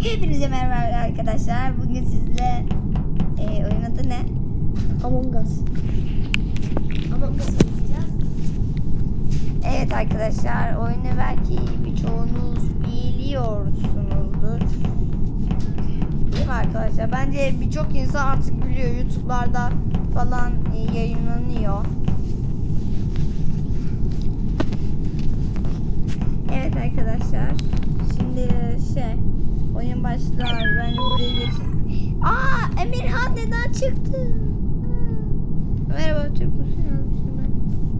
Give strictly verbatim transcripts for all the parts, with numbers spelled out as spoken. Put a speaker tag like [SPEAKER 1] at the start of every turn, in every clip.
[SPEAKER 1] Hepinize merhaba arkadaşlar. Bugün sizle e, oyun adı ne?
[SPEAKER 2] Among Us.
[SPEAKER 1] Among Us oynayacağız. Evet arkadaşlar, oyunu belki birçoğunuz biliyorsunuzdur. Değil mi arkadaşlar? Bence birçok insan artık biliyor. YouTube'larda falan e, yayınlanıyor. Evet arkadaşlar. Şimdi şey oyun başlar. Ben buraya geçeyim. Aa, Emirhan neden çıktı? Merhaba, Türk müsün yazmıştım ben.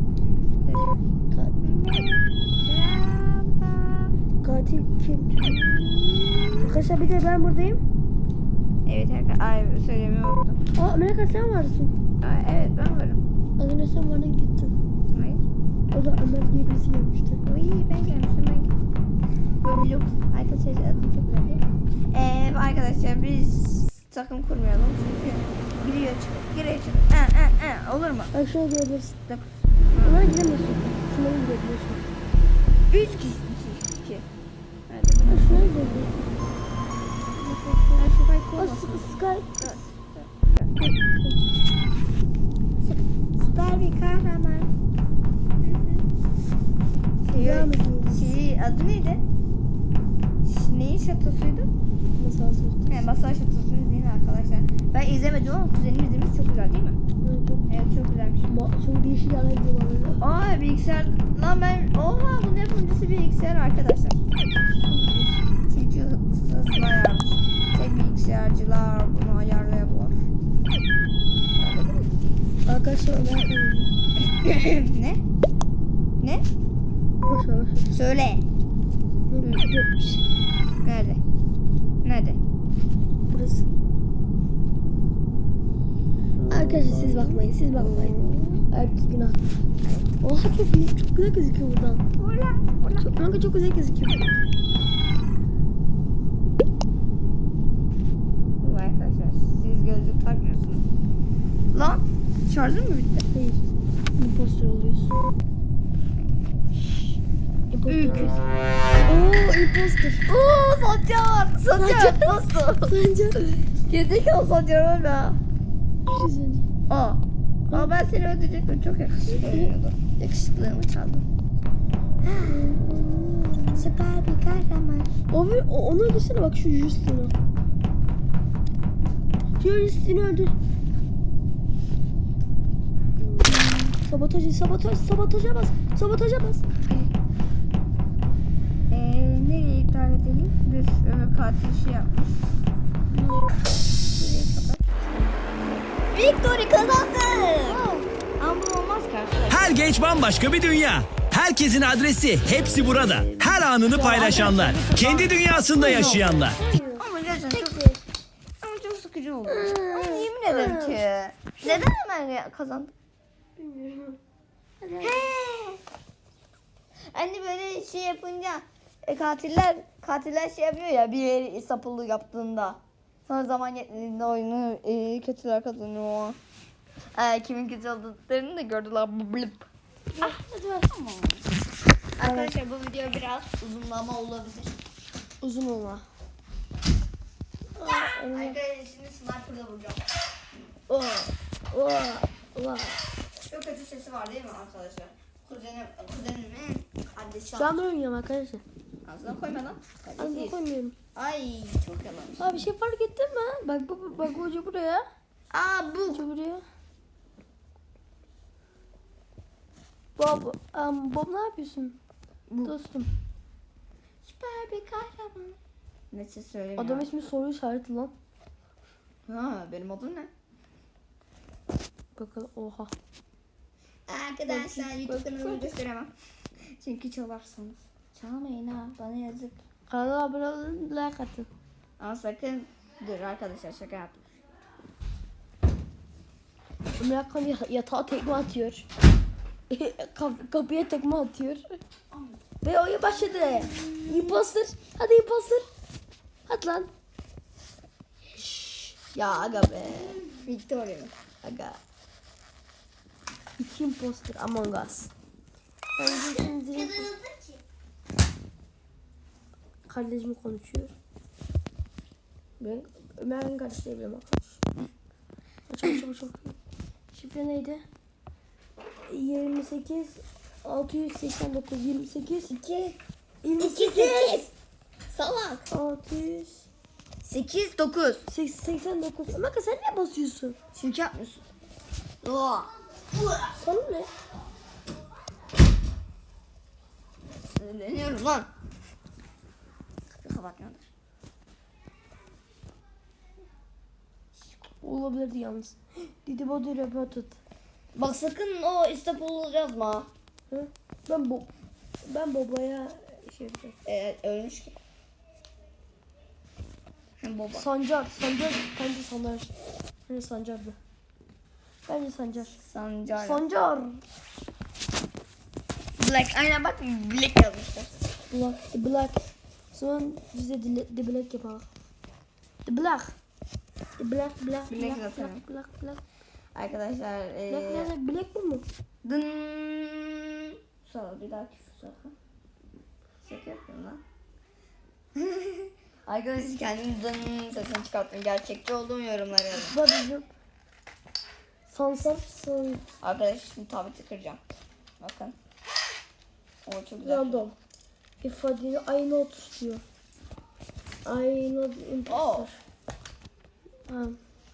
[SPEAKER 1] Merhaba.
[SPEAKER 2] Katil kim? Arkadaşlar bir de ben buradayım.
[SPEAKER 1] Evet arkadaşlar. Ay, söylemeyi unuttum.
[SPEAKER 2] Aa Amerika sen varsın.
[SPEAKER 1] Aa, evet ben varım.
[SPEAKER 2] Az önce sen bana gittin.
[SPEAKER 1] Hayır.
[SPEAKER 2] O da Ömer diye birisi gelmişti.
[SPEAKER 1] Oy, ben gelmişim ben. Böyle look. Arkadaşlar adı çok güzel değil mi? Ee, arkadaşlar biz takım kurmayalım. Çünkü giriyor çıkıyor. Giriyor çıkıyor. Ee, ee, ee. Olur mu?
[SPEAKER 2] Bak şöyle görebilirsin.
[SPEAKER 1] Dokuz.
[SPEAKER 2] Bunlara giremiyorsun. Şunlara girebiliyorsun.
[SPEAKER 1] Üç kişi. İki. İki. Hadi
[SPEAKER 2] Ha,
[SPEAKER 1] bunu.
[SPEAKER 2] şunlara girebiliyorsun.
[SPEAKER 1] Ben şu kayıt
[SPEAKER 2] Aa
[SPEAKER 1] olmasın.
[SPEAKER 2] S- Sky.
[SPEAKER 1] Süper bir kahraman.
[SPEAKER 2] Devam ediyoruz.
[SPEAKER 1] Şey, adı neydi? Ş- Neyin şatosuydu?
[SPEAKER 2] Masal sözü.
[SPEAKER 1] He, Masal şatosunu değil mi arkadaşlar? Ben izlemedim ama kuzenim izlemiş, çok güzel değil mi?
[SPEAKER 2] Evet, çok,
[SPEAKER 1] Evet, çok güzelmiş.
[SPEAKER 2] ma- çok değişik yerler gidiyorlar öyle.
[SPEAKER 1] Aa, bilgisayar lan ben oha bunun yapımcısı bilgisayar arkadaşlar. Çünkü hızlı ayarmış. Tek bilgisayarcılar bunu ayarlayabilir.
[SPEAKER 2] Arkadaşlar Ömer kanalım.
[SPEAKER 1] Ne? Ne?
[SPEAKER 2] Boş ver boş ver.
[SPEAKER 1] Söyle.
[SPEAKER 2] Yetmiş.
[SPEAKER 1] Nerede? Nerede?
[SPEAKER 2] Burası. Arkadaşlar siz bakmayın, siz bakmayın. Erkek günah. Oha çok iyi, çok güzel gözüküyor buradan.
[SPEAKER 1] Ula, ula.
[SPEAKER 2] Çok, kanka çok güzel gözüküyor.
[SPEAKER 1] Bu arkadaşlar siz gözlük takmıyorsunuz. Lan şarjın mı bitti?
[SPEAKER 2] Hayır. Imposter oluyorsun. Imposter
[SPEAKER 1] Ük.
[SPEAKER 2] oluyorsun. Oo imposter.
[SPEAKER 1] Oo, Sancar. Sancar nasıl?
[SPEAKER 2] Sence?
[SPEAKER 1] Gezekalı Sancar öyle.
[SPEAKER 2] Bir şey söyleyeceğim.
[SPEAKER 1] Aa. Aa, ben seni öldürecektim, çok yakışıklı görünüyordu. Yakışıklığımı çaldım. Süper bir kahraman.
[SPEAKER 2] Abi o- onu öldürsene bak şu Justin'i. Şu Justin'i öldür. Sabotaj, sabotaj, sabotaja bas. Sabotaja bas.
[SPEAKER 1] Eee nereye iptal edelim? Dur, öbür katil şey yapmış. Şurayı kapat. Victory kazandı. Ama bu olmaz ki arkadaşlar.
[SPEAKER 3] Her genç bambaşka bir dünya. Herkesin adresi hepsi burada. Her anını paylaşanlar. Kendi dünyasında yaşayanlar.
[SPEAKER 1] Ama gerçekten çok, ama çok sıkıcı oldu. Ama yemin ederim ki. Neden hemen kazandık?
[SPEAKER 2] Bilmiyorum.
[SPEAKER 1] He. Anne böyle şey yapınca e, katiller katiller şey yapıyor ya, bir yeri sapılı yaptığında. Sonra zaman yetmediğinde oyunu e, kötüler kazanıyor. E, kimin kötü olduklarını da gördüler. Blip.
[SPEAKER 2] Ah, hadi ver.
[SPEAKER 1] Tamam. Arkadaşlar bu video biraz uzunlama olabilir.
[SPEAKER 2] Uzun olma.
[SPEAKER 1] Arkadaşlar şimdi sniper'la vuracağım.
[SPEAKER 2] Oh, oh, oh.
[SPEAKER 1] Çok kötü sesi var değil mi arkadaşlar? Kuzenim, kuzenimin kardeşi.
[SPEAKER 2] Şu anda oynuyorum arkadaşlar.
[SPEAKER 1] Ağzına koyma lan.
[SPEAKER 2] Aslında
[SPEAKER 1] Kardeşiyiz.
[SPEAKER 2] koymuyorum.
[SPEAKER 1] Ay çok yalanmış.
[SPEAKER 2] Abi bir şey fark ettin mi? Bak bak bak hoca buraya.
[SPEAKER 1] Aa bu.
[SPEAKER 2] Hoca buraya. Bob, um, Bob ne yapıyorsun?
[SPEAKER 1] Bu.
[SPEAKER 2] Dostum.
[SPEAKER 1] Süper bir kahraman. Neyse söylemiyorum.
[SPEAKER 2] Adam ismi soru işareti lan.
[SPEAKER 1] Ha, benim adım ne?
[SPEAKER 2] Bakalım oha.
[SPEAKER 1] Arkadaşlar
[SPEAKER 2] Bakayım,
[SPEAKER 1] YouTube kanalımı
[SPEAKER 2] bakayım.
[SPEAKER 1] gösteremem. Çünkü çalarsanız. Çalmayın ha, bana yazık.
[SPEAKER 2] Kanala abone olun, like atın.
[SPEAKER 1] Ama sakın dur arkadaşlar, şaka yap.
[SPEAKER 2] Ömer Kan yatağa tekme atıyor. Kap- kapıya tekme atıyor. Ve oyun başladı. Imposter. Hadi imposter. Hadi lan. Şşş. Ya aga be.
[SPEAKER 1] Victoria.
[SPEAKER 2] Aga. İki imposter Among Us. Ben şimdi kardeşim konuşuyor. Ben Ömer'in kardeşlerim arkadaş. Açalım çabuk çabuk. Şifre neydi? yirmi sekiz altı yüz seksen dokuz yirmi sekiz
[SPEAKER 1] İki.
[SPEAKER 2] yirmi
[SPEAKER 1] İki
[SPEAKER 2] sekiz
[SPEAKER 1] sekiz. Salak.
[SPEAKER 2] altı yüz
[SPEAKER 1] Sekiz dokuz.
[SPEAKER 2] seksen dokuz. Ömer sen ne basıyorsun?
[SPEAKER 1] Çünkü yapmıyorsun. Oo.
[SPEAKER 2] Sana ne?
[SPEAKER 1] Sinirleniyorum lan. Kapıyı kapatmıyorlar.
[SPEAKER 2] Olabilirdi yalnız. Didi Bodu Reported.
[SPEAKER 1] Bak sakın o İstanbul'u yazma.
[SPEAKER 2] Hı? Ben bu ben babaya şey yapacağım.
[SPEAKER 1] Ee, ölmüş ki. Hem baba.
[SPEAKER 2] Sancar, Sancar, bence Sancar. Hani Sancar'dı. Bence Sancar.
[SPEAKER 1] Sancar.
[SPEAKER 2] Sancar.
[SPEAKER 1] Black. Aynen bak Black yazmışlar.
[SPEAKER 2] Black, The Black. Sonra bize The, The Black yapalım. The Black. The Black, Black,
[SPEAKER 1] Black
[SPEAKER 2] Black,
[SPEAKER 1] zaten.
[SPEAKER 2] Black, Black, Black.
[SPEAKER 1] Arkadaşlar.
[SPEAKER 2] Black
[SPEAKER 1] Ee,
[SPEAKER 2] nerede? Black bu mu?
[SPEAKER 1] dın. Sonra bir daha küfür sonra. Şaka yapıyorum lan. Arkadaşlar kendim dın sesini çıkarttım. Gerçekçi olduğum yorumları yazın.
[SPEAKER 2] Babacım. Sansar, son.
[SPEAKER 1] Arkadaşlar şimdi tableti kıracağım. Bakın. O çok güzel.
[SPEAKER 2] Random. İfadeni aynı otur diyor. Aynı imposter. Ha.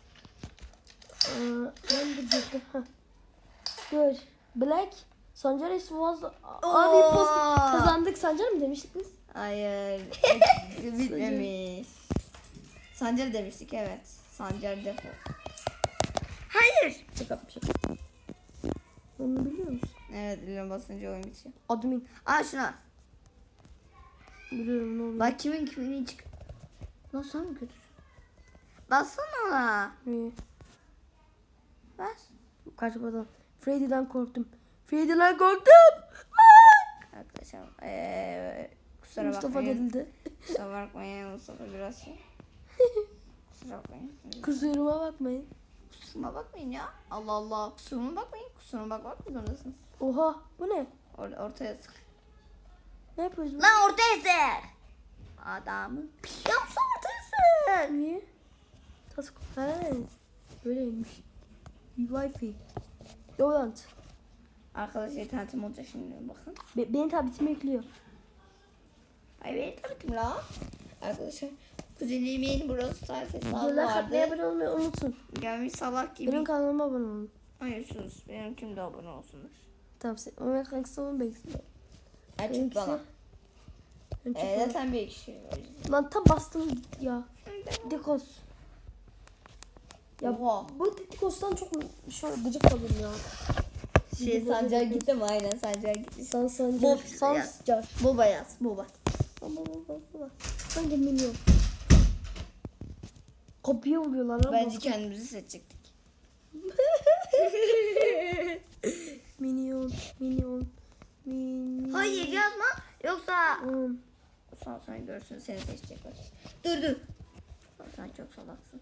[SPEAKER 2] Aa, ben de girdim. Ha. Gör. Black. Sancar is was. Abi imposter. Kazandık Sancar mı demiştik biz?
[SPEAKER 1] Hayır. Bitmemiş. Sancar demiştik evet. Sancar defo. Hayır.
[SPEAKER 2] Şaka yapmışım. Onu biliyor musun?
[SPEAKER 1] Evet biliyorum basınca oyun bitiyor.
[SPEAKER 2] Admin.
[SPEAKER 1] Aa şuna.
[SPEAKER 2] Biliyorum ne oluyor.
[SPEAKER 1] Bak kimin kimin çık. Lan sen mi kötüsün? Bassana ona.
[SPEAKER 2] Niye?
[SPEAKER 1] Bas.
[SPEAKER 2] Kaçmadan. Freddy'den korktum. Freddy'den korktum.
[SPEAKER 1] Arkadaşlar ee, kusura
[SPEAKER 2] Mustafa
[SPEAKER 1] bakmayın.
[SPEAKER 2] gerildi.
[SPEAKER 1] Kusura bakmayın Mustafa biraz şey. Kusura bakmayın.
[SPEAKER 2] Kusuruma bakmayın.
[SPEAKER 1] Kusuruma bakmayın ya. Allah Allah. Kusuruma bakmayın. Kusuruma bakmak mı zorundasınız?
[SPEAKER 2] Oha bu ne?
[SPEAKER 1] Or ortaya sık.
[SPEAKER 2] Ne yapıyoruz? biz?
[SPEAKER 1] Lan ortaya sık. Adamın. Yapsa ortaya sık.
[SPEAKER 2] Niye? Task. He. Böyleymiş. Wi-Fi. Yolant.
[SPEAKER 1] Arkadaşlar internetim olacak şimdi bakın.
[SPEAKER 2] Be benim tabletimi yüklüyor.
[SPEAKER 1] Ay benim tabletim la. Arkadaşlar kuzenimin burası Stars hesabı
[SPEAKER 2] Videolar katmaya
[SPEAKER 1] vardı.
[SPEAKER 2] abone olmayı unutun.
[SPEAKER 1] Gelmiş salak gibi.
[SPEAKER 2] Benim kanalıma abone olun.
[SPEAKER 1] Hayır sus. Benimkim de abone olsunlar.
[SPEAKER 2] Tamam sen. Ömer kankası olun bekliyor.
[SPEAKER 1] Açık
[SPEAKER 2] Benimkisi-
[SPEAKER 1] bana.
[SPEAKER 2] Benimki
[SPEAKER 1] Ee,
[SPEAKER 2] bana.
[SPEAKER 1] zaten bir kişi.
[SPEAKER 2] Lan tam bastım gitti ya. Dikos. Ya
[SPEAKER 1] Oha.
[SPEAKER 2] bu Dikos'tan çok şöyle gıcık kaldım ya.
[SPEAKER 1] Şey Sancar gitti mi? Aynen Sancar gitti.
[SPEAKER 2] San Sancar.
[SPEAKER 1] Bob
[SPEAKER 2] Sancar.
[SPEAKER 1] Boba yaz. Boba.
[SPEAKER 2] Baba baba baba. Hangi milyon? Kopya vuruyorlar lan.
[SPEAKER 1] Bence kendimizi seçecektik.
[SPEAKER 2] Minyon, minyon, minyon.
[SPEAKER 1] Hayır yazma. Yoksa
[SPEAKER 2] Hmm.
[SPEAKER 1] Sonra sonra görsün seni seçecekler. Dur dur. Sen çok salaksın.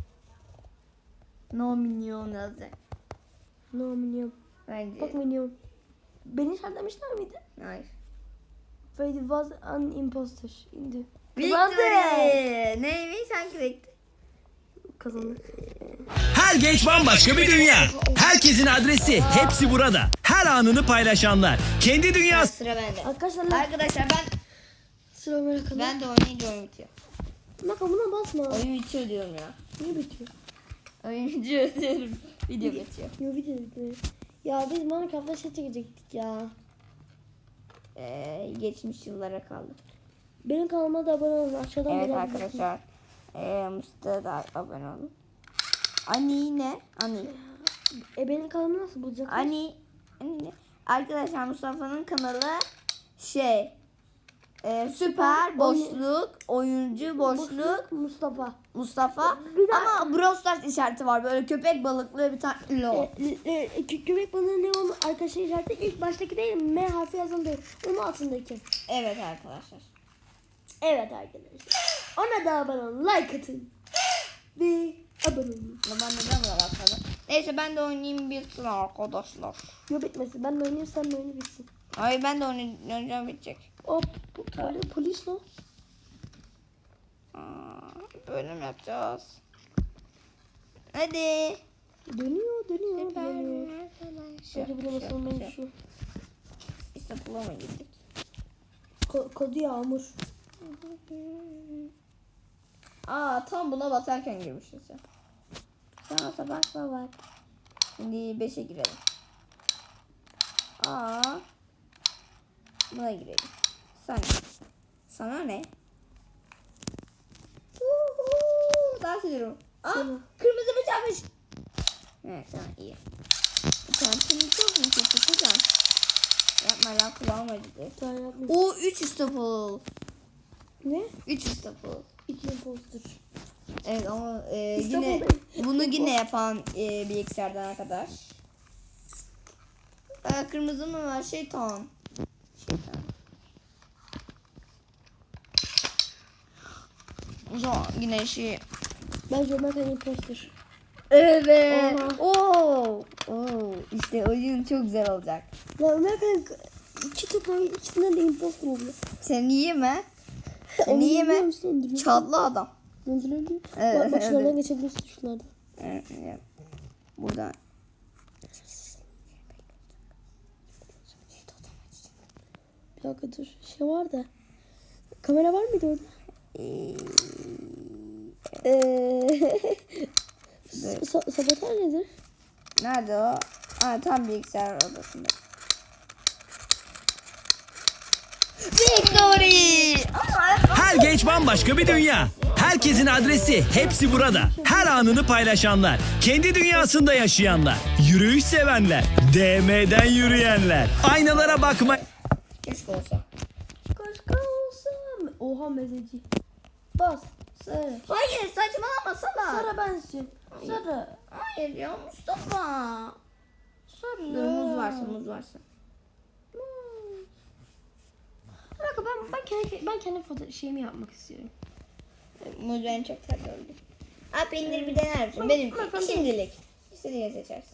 [SPEAKER 1] No minyon yazacak.
[SPEAKER 2] No minyon.
[SPEAKER 1] Bence.
[SPEAKER 2] Bak minyon. Beni işaretlemişler miydi?
[SPEAKER 1] Hayır.
[SPEAKER 2] Freddy was an imposter. İndi.
[SPEAKER 1] Victory. Neymiş hangi bekti?
[SPEAKER 2] Kazandık.
[SPEAKER 3] Her genç bambaşka bir dünya. Herkesin adresi hepsi burada. Her anını paylaşanlar. Kendi dünyası.
[SPEAKER 1] Sıra bende.
[SPEAKER 2] Arkadaşlar
[SPEAKER 1] Arkadaşlar ben
[SPEAKER 2] sıra Ömer'e kadar.
[SPEAKER 1] ben de oynayınca oyun bitiyor.
[SPEAKER 2] Bak buna basma.
[SPEAKER 1] Oyun bitiyor diyorum ya.
[SPEAKER 2] Niye bitiyor?
[SPEAKER 1] Oyun bitiyor diyorum. Video bitiyor.
[SPEAKER 2] Yo bitiyor bitiyor. Ya biz Minecraft'ta şey çekecektik ya.
[SPEAKER 1] Ee, geçmiş yıllara kaldı.
[SPEAKER 2] Benim kanalıma da abone olun. Aşağıdan
[SPEAKER 1] Evet
[SPEAKER 2] bulabilirsiniz.
[SPEAKER 1] arkadaşlar. Ee, Mustafa'ya da abone olun. Ani ne? Ani.
[SPEAKER 2] E benim kanalımı nasıl bulacaklar?
[SPEAKER 1] Ani. Ani ne? Arkadaşlar Mustafa'nın kanalı şey. E, süper boşluk, oyuncu boşluk,
[SPEAKER 2] Mustafa.
[SPEAKER 1] Mustafa.
[SPEAKER 2] Bir de-
[SPEAKER 1] Ama Brawl Stars işareti var. Böyle köpek balıklı bir tane lo.
[SPEAKER 2] E, e, e, kö- köpek balığı ne onun arkadaşlar işareti ilk baştaki değil M harfi yazan değil. Onun altındaki.
[SPEAKER 1] Evet arkadaşlar.
[SPEAKER 2] Evet arkadaşlar. Ona da abone olun. Like atın. Ve abone olun.
[SPEAKER 1] Ama ben neden buna bakmadım? Neyse ben de oynayayım bitsin arkadaşlar.
[SPEAKER 2] Yo bitmesin. Ben de oynayayım sen de oyunu bitsin.
[SPEAKER 1] Hayır ben de oynayacağım bitecek.
[SPEAKER 2] Hop. Bu, polis, polis ne?
[SPEAKER 1] Aa, Böyle mi yapacağız? Hadi.
[SPEAKER 2] Dönüyor dönüyor dönüyor.
[SPEAKER 1] Şey,
[SPEAKER 2] Şöyle bulamasam ben
[SPEAKER 1] şey.
[SPEAKER 2] şu.
[SPEAKER 1] İşte bulamadık.
[SPEAKER 2] Ko- kodu Yağmur.
[SPEAKER 1] Aa tam buna basarken girmişiz ya. Sana sabah bak. Şimdi beşe girelim. Aa. Buna girelim. Sana. Sana ne? Uhu, dans ediyorum. Aa,
[SPEAKER 2] Sana.
[SPEAKER 1] kırmızı bıçakmış. Evet tamam iyi. Çantamı çok mu kötü kızım? Yapma lan kulağım acıdı.
[SPEAKER 2] Sen yapmış.
[SPEAKER 1] O üç İstanbul.
[SPEAKER 2] Ne?
[SPEAKER 1] üç İstanbul.
[SPEAKER 2] İki imposter.
[SPEAKER 1] Evet ama e,
[SPEAKER 2] İstanbul
[SPEAKER 1] yine
[SPEAKER 2] değil.
[SPEAKER 1] bunu yine yapan e, bilgisayardan arkadaş. E, kırmızı mı var? Şeytan. Şeytan. O zaman yine şey.
[SPEAKER 2] Bence Ömer Kan imposter.
[SPEAKER 1] Evet.
[SPEAKER 2] Oha.
[SPEAKER 1] Oo. Oo. İşte oyun çok güzel olacak.
[SPEAKER 2] Ya Ömer Kan iki toplam ikisinden de imposter oluyor.
[SPEAKER 1] Sen iyi mi? Sen
[SPEAKER 2] Onu
[SPEAKER 1] iyi
[SPEAKER 2] biliyor
[SPEAKER 1] mi?
[SPEAKER 2] musun? Öldürüyor.
[SPEAKER 1] Çatlı adam.
[SPEAKER 2] Öldürüyor.
[SPEAKER 1] Evet,
[SPEAKER 2] Bak, bak şunlardan
[SPEAKER 1] evet.
[SPEAKER 2] geçebilirsin şunlardan.
[SPEAKER 1] Evet, evet. Buradan.
[SPEAKER 2] Bir dakika dur. Şey var da. Kamera var mıydı orada?
[SPEAKER 1] Ee,
[SPEAKER 2] Eee sa- sabotaj nedir?
[SPEAKER 1] nerede o? Ha, tam bilgisayar odasında. Victory!
[SPEAKER 3] Her genç bambaşka bir dünya. Herkesin adresi hepsi burada. Her anını paylaşanlar. Kendi dünyasında yaşayanlar. Yürüyüş sevenler. D M'den yürüyenler. Aynalara bakma.
[SPEAKER 1] Keşke olsa.
[SPEAKER 2] Kaşka olsam. Oha mezeci. Bas. Sarı.
[SPEAKER 1] Hayır saçmalama sana.
[SPEAKER 2] Sarı bensin. Sarı.
[SPEAKER 1] Hayır ya Mustafa.
[SPEAKER 2] Sarı.
[SPEAKER 1] Dur muz varsa muz varsa.
[SPEAKER 2] Bir dakika ben, ben kendi, ben kendi foto şeyimi yapmak istiyorum.
[SPEAKER 1] Muz benim çok tatlı oldu. Aa peynir bir dener misin? Benim
[SPEAKER 2] Bakalım.
[SPEAKER 1] şimdilik. İstediğini seçersin.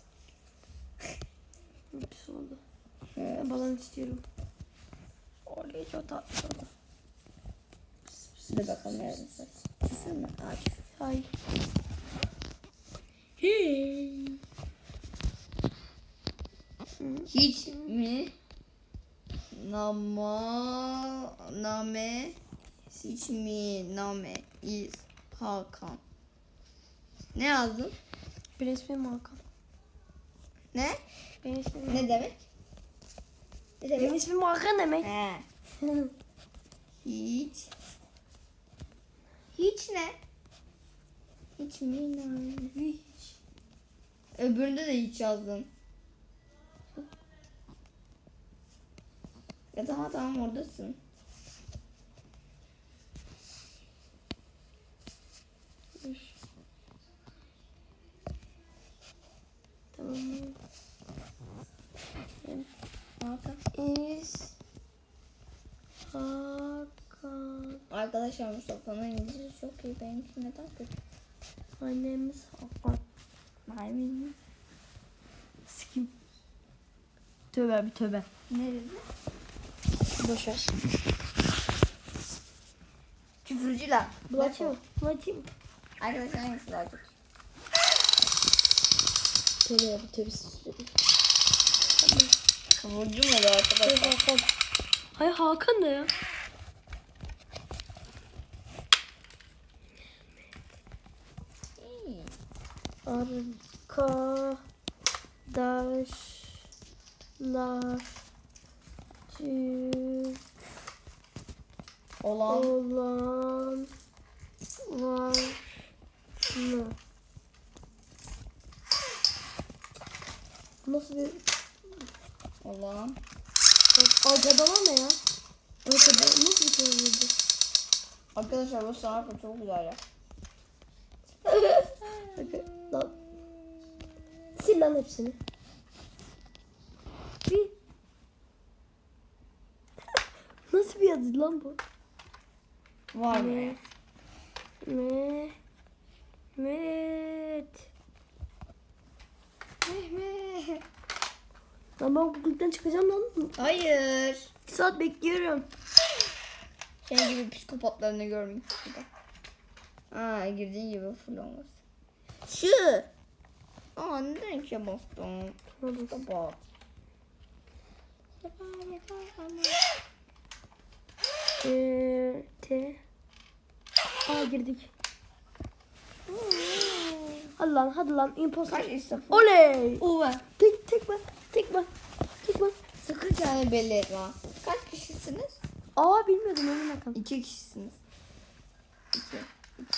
[SPEAKER 2] Pis oldu.
[SPEAKER 1] Evet.
[SPEAKER 2] Ben balon istiyorum. Oraya çok tatlı oldu.
[SPEAKER 1] Dur bakalım nerede saç. Küfür mü? Aa küfür.
[SPEAKER 2] Ay.
[SPEAKER 1] Hiç mi? Nama name hiç mi name is Hakan. Ne yazdın?
[SPEAKER 2] Benim ismim Hakan.
[SPEAKER 1] Ne?
[SPEAKER 2] Benim ismim
[SPEAKER 1] Ne demek? Ne
[SPEAKER 2] Benim
[SPEAKER 1] demek?
[SPEAKER 2] ismim Hakan demek.
[SPEAKER 1] He. Hiç. Hiç ne? Hiç mi name? Hiç. Öbüründe de hiç yazdın. Ya tamam tamam oradasın.
[SPEAKER 2] Dur. Tamam.
[SPEAKER 1] Hakan.
[SPEAKER 2] İz Hakan.
[SPEAKER 1] Arkadaşlar Mustafa'nın İngilizcesi çok iyi. Benimki neden kötü?
[SPEAKER 2] Annemiz Hakan.
[SPEAKER 1] Maymun.
[SPEAKER 2] Sikim. Tövbe bir tövbe.
[SPEAKER 1] Nerede?
[SPEAKER 2] Boşver.
[SPEAKER 1] Küfürcüler.
[SPEAKER 2] Bu açayım mı? Bu açayım mı?
[SPEAKER 1] Arkadaşlar hangisi daha kötü?
[SPEAKER 2] Tövbe ya bu tövbe.
[SPEAKER 1] Kıvırcı mı oluyor arkadaşlar?
[SPEAKER 2] Hakan. Hayır Hakan da ya. Arkadaşlar Türk
[SPEAKER 1] Olan.
[SPEAKER 2] olan var mı? Nasıl bir
[SPEAKER 1] Olan.
[SPEAKER 2] Arkadaşlar ne ya? Arkadaşlar nasıl bir şey oldu?
[SPEAKER 1] Arkadaşlar bu sanatı çok güzel ya.
[SPEAKER 2] Lan. Sil lan hepsini. Bir. Nasıl bir yazı lan bu?
[SPEAKER 1] Var mı? ya?
[SPEAKER 2] Me. Mehmet.
[SPEAKER 1] Mehmet.
[SPEAKER 2] Lan ben Google'den çıkacağım lan.
[SPEAKER 1] Hayır.
[SPEAKER 2] Bir saat bekliyorum.
[SPEAKER 1] Senin gibi psikopatlarını görmeyeyim. Aa girdiğin gibi full olmaz. Şu. Aa neden ikiye bastım? Kapat.
[SPEAKER 2] Ee, T. Aa girdik. Hadi lan hadi lan imposter.
[SPEAKER 1] Kaç istafa?
[SPEAKER 2] Oley.
[SPEAKER 1] Uva.
[SPEAKER 2] Tek tek bak. Tek bak. Tek bak.
[SPEAKER 1] Sakın kendini belli etme. Kaç kişisiniz?
[SPEAKER 2] Aa bilmiyordum emin bakalım.
[SPEAKER 1] İki kişisiniz. İki. İki.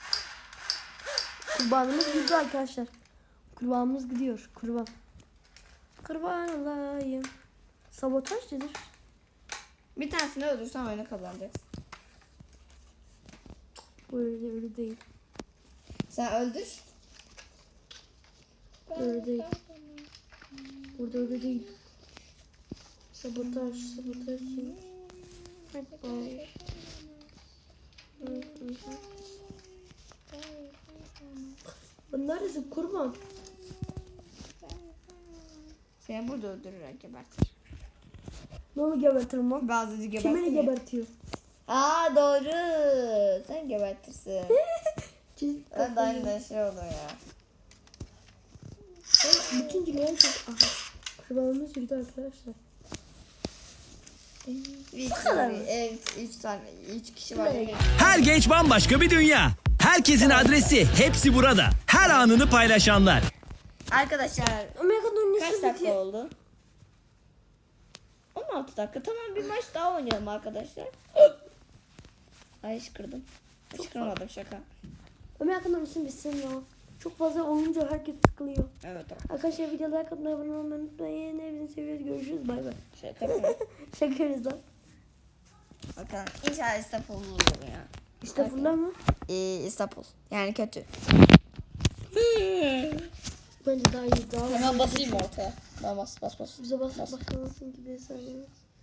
[SPEAKER 2] Kurbanımız gidiyor arkadaşlar. Kurbanımız gidiyor. Kurban. Kurban olayım. Sabotaj nedir?
[SPEAKER 1] Bir tanesini öldürsen oyunu kazanacaksın.
[SPEAKER 2] Bu öyle, öyle değil.
[SPEAKER 1] Sen öldür.
[SPEAKER 2] Öyle değil. Burada öyle değil. Sabotaj, sabotaj. Ay. Bunlar ise kurban.
[SPEAKER 1] Seni burada öldürürler gebertir.
[SPEAKER 2] Ne onu gebertirim lan?
[SPEAKER 1] Bazıcı gebertir.
[SPEAKER 2] Kimini gebertiyor?
[SPEAKER 1] Aa doğru. Sen gebertirsin.
[SPEAKER 2] Çiz-
[SPEAKER 1] Ben de aynı şey olur ya.
[SPEAKER 2] Bütün günler çok... Aha. Kurbanımız yürüdü arkadaşlar.
[SPEAKER 1] Bir
[SPEAKER 2] kadar mı?
[SPEAKER 1] Evet, üç tane, üç kişi var.
[SPEAKER 3] Her genç bambaşka bir dünya. Herkesin adresi hepsi burada. Her anını paylaşanlar.
[SPEAKER 1] Arkadaşlar
[SPEAKER 2] Amerika'nın ünlüsü
[SPEAKER 1] kaç dakika
[SPEAKER 2] bitiyor.
[SPEAKER 1] oldu? on altı dakika. Tamam bir maç daha oynayalım arkadaşlar. Ay ışkırdım. Işkırmadım şaka.
[SPEAKER 2] Amerika'nın ünlüsü bitsin ya. Çok fazla olunca herkes sıkılıyor.
[SPEAKER 1] Evet
[SPEAKER 2] Arkadaşlar videolar katına abone olmayı unutmayın. Hepinizi seviyoruz. Görüşürüz. Bay bay.
[SPEAKER 1] şaka yapıyorum.
[SPEAKER 2] Şaka yapıyoruz lan.
[SPEAKER 1] Bakalım inşallah İstanbul olur ya.
[SPEAKER 2] İşte fırlar mı?
[SPEAKER 1] Ee, İstanbul. Yani kötü.
[SPEAKER 2] Bence daha iyi. Daha
[SPEAKER 1] Hemen basayım ortaya. Ben bas bas bas.
[SPEAKER 2] bize bas basmasın gibi sanırım.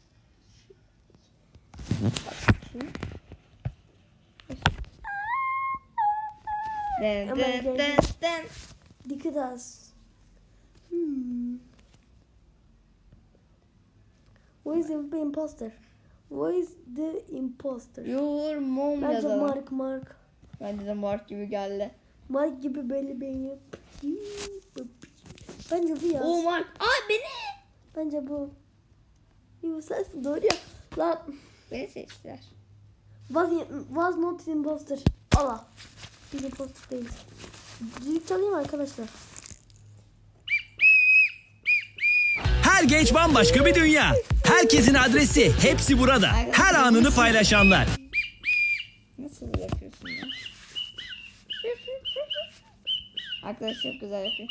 [SPEAKER 1] Den
[SPEAKER 2] Hemen
[SPEAKER 1] den
[SPEAKER 2] geldim.
[SPEAKER 1] den den.
[SPEAKER 2] Dikkat az. Hmm. Who is the imposter? Who is the imposter?
[SPEAKER 1] Your mom
[SPEAKER 2] Bence
[SPEAKER 1] yazalım.
[SPEAKER 2] Mark Mark.
[SPEAKER 1] Bence de Mark gibi geldi.
[SPEAKER 2] Mark gibi belli beni. Bence bu ya.
[SPEAKER 1] Oo Mark. Aa beni.
[SPEAKER 2] Bence bu. Bu sensin doğru ya. Lan.
[SPEAKER 1] Beni seçtiler.
[SPEAKER 2] Was, was not imposter. Allah. Biz imposter değiliz. Düdük çalayım arkadaşlar.
[SPEAKER 3] Her genç bambaşka bir dünya. Herkesin adresi hepsi burada. Her anını paylaşanlar.
[SPEAKER 1] Nasıl yapıyorsun ya? Arkadaş çok güzel yapıyor.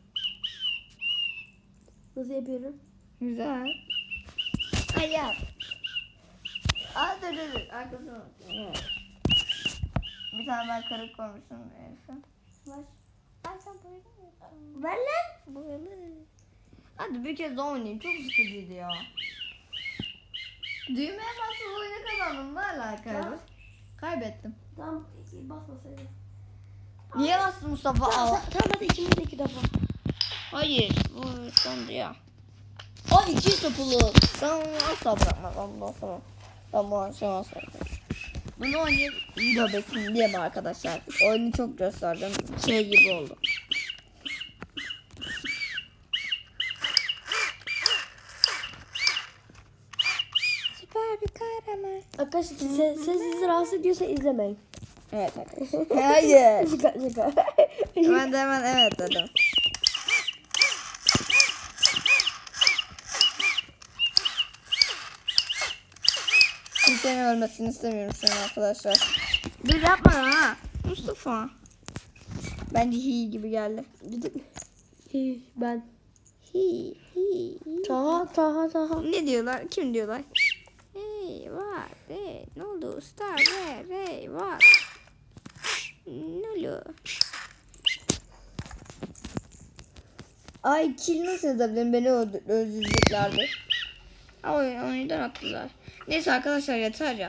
[SPEAKER 2] Nasıl yapıyorum?
[SPEAKER 1] Güzel. Ay yap. Aa dur dur dur. Arkasına bak. Evet. Bir tane ben karık koymuşum. Elif'e.
[SPEAKER 2] Ver.
[SPEAKER 1] Ay sen böyle mi?
[SPEAKER 2] Ver lan.
[SPEAKER 1] Böyle. Hadi bir kez daha oynayayım. Çok sıkıcıydı ya. Düğmeye basıp oyunu kazandım. Ne alaka?
[SPEAKER 2] Tamam.
[SPEAKER 1] Kaybettim.
[SPEAKER 2] Tamam basmasaydın.
[SPEAKER 1] Niye bastın Mustafa? Al.
[SPEAKER 2] Tamam hadi ikimiz de iki defa.
[SPEAKER 1] Hayır. Bu sondu ya. Ay iki topulu. Ben onu asla bırakmam. Allah tamam. Ben bu akşam asla bırakmam. Bunu oynayıp video bekleyin diye mi arkadaşlar? Oyunu çok gösterdim. Şey gibi oldu. Süper bir kahraman.
[SPEAKER 2] Arkadaşlar ses, ses sizi rahatsız ediyorsa izlemeyin.
[SPEAKER 1] Evet arkadaşlar. Hayır.
[SPEAKER 2] Şaka şaka.
[SPEAKER 1] Ben de hemen evet dedim. Kimsenin ölmesini istemiyorum şu an arkadaşlar. Dur yapma ha. Mustafa. Bence hi gibi geldi.
[SPEAKER 2] Hi, ben.
[SPEAKER 1] Hi hi.
[SPEAKER 2] Taha Taha Taha.
[SPEAKER 1] Ne diyorlar? Kim diyorlar? Hey var. Hey, ne oldu? Star ver. Hey var. Ne oluyor? Ay kill nasıl yazabilirim? Beni öldü- öldüreceklerdi. Ama oyun, oyundan attılar. Neyse arkadaşlar yeter ya.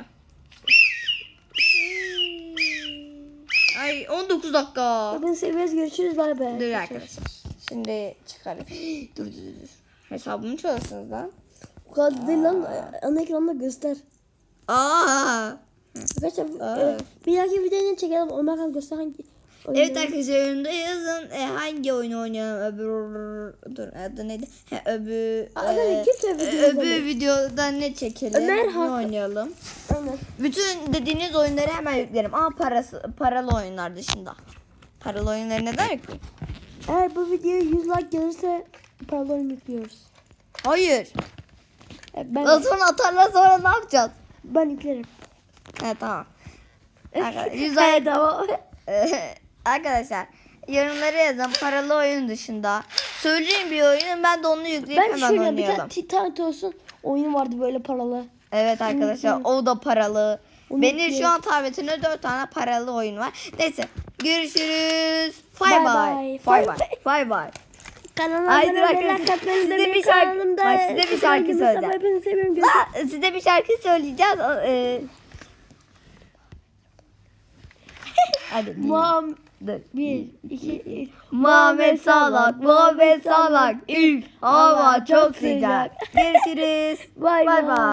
[SPEAKER 1] Ay on dokuz dakika.
[SPEAKER 2] Bakın seviyoruz görüşürüz bay bay.
[SPEAKER 1] Dur arkadaşlar. Şimdi çıkarım. dur dur dur. Hesabımı çalırsınız lan.
[SPEAKER 2] Bu kadar değil lan. Ana ekranda göster.
[SPEAKER 1] Aa.
[SPEAKER 2] Arkadaşlar
[SPEAKER 1] Evet.
[SPEAKER 2] e, bir dahaki videoyu çekelim. Ömer kan göster hangi oyunu.
[SPEAKER 1] Evet arkadaşlar önünde yazın e, hangi oyunu oynayalım öbür dur adı neydi? He, öbür
[SPEAKER 2] Aa,
[SPEAKER 1] e,
[SPEAKER 2] evet, kimse öbür
[SPEAKER 1] e,
[SPEAKER 2] videoda
[SPEAKER 1] öbür
[SPEAKER 2] değil.
[SPEAKER 1] videoda ne çekelim?
[SPEAKER 2] Ömer
[SPEAKER 1] ne
[SPEAKER 2] haklı.
[SPEAKER 1] oynayalım?
[SPEAKER 2] Aynen.
[SPEAKER 1] Bütün dediğiniz oyunları hemen yüklerim ama parası paralı oyunlar dışında. Paralı oyunları neden yükleyeyim?
[SPEAKER 2] Eğer bu videoya yüz like gelirse paralı oyun yüklüyoruz.
[SPEAKER 1] Hayır.
[SPEAKER 2] E, ben
[SPEAKER 1] Sonra atarlar sonra ne yapacağız?
[SPEAKER 2] ben yüklerim.
[SPEAKER 1] Evet tamam. Arkadaşlar, yüz
[SPEAKER 2] Evet,
[SPEAKER 1] ay-
[SPEAKER 2] tamam.
[SPEAKER 1] Arkadaşlar yorumlara yazın paralı oyun dışında. Söyleyin bir oyunu ben de onu yükleyip
[SPEAKER 2] Ben
[SPEAKER 1] hemen
[SPEAKER 2] şöyle bir
[SPEAKER 1] oynayalım.
[SPEAKER 2] tane Titan olsun oyunu vardı böyle paralı.
[SPEAKER 1] Evet arkadaşlar o da paralı.
[SPEAKER 2] Onu
[SPEAKER 1] Benim
[SPEAKER 2] yükleyeyim.
[SPEAKER 1] şu an tabletimde dört tane paralı oyun var. Neyse görüşürüz.
[SPEAKER 2] Bye
[SPEAKER 1] Bye
[SPEAKER 2] bye.
[SPEAKER 1] bye. Bye bye. Bye bye.
[SPEAKER 2] Kanalıma
[SPEAKER 1] Haydi
[SPEAKER 2] abone olmayı,
[SPEAKER 1] arkadaşlar,
[SPEAKER 2] like atmayı,
[SPEAKER 1] size
[SPEAKER 2] benim
[SPEAKER 1] bir şarkı-
[SPEAKER 2] kanalımda
[SPEAKER 1] Bak, size bir şarkı
[SPEAKER 2] gibi
[SPEAKER 1] söyleyeceğim.
[SPEAKER 2] sabah hepinizi seviyorum.
[SPEAKER 1] Aa, size bir şarkı söyleyeceğiz. Ee, Hadi.
[SPEAKER 2] Muam
[SPEAKER 1] Dur.
[SPEAKER 2] bir, iki, üç.
[SPEAKER 1] Muhammed Salak, Muhammed Salak. Üf, hava çok sıcak. Görüşürüz.
[SPEAKER 2] Bye
[SPEAKER 1] Bye
[SPEAKER 2] bye.
[SPEAKER 1] bye.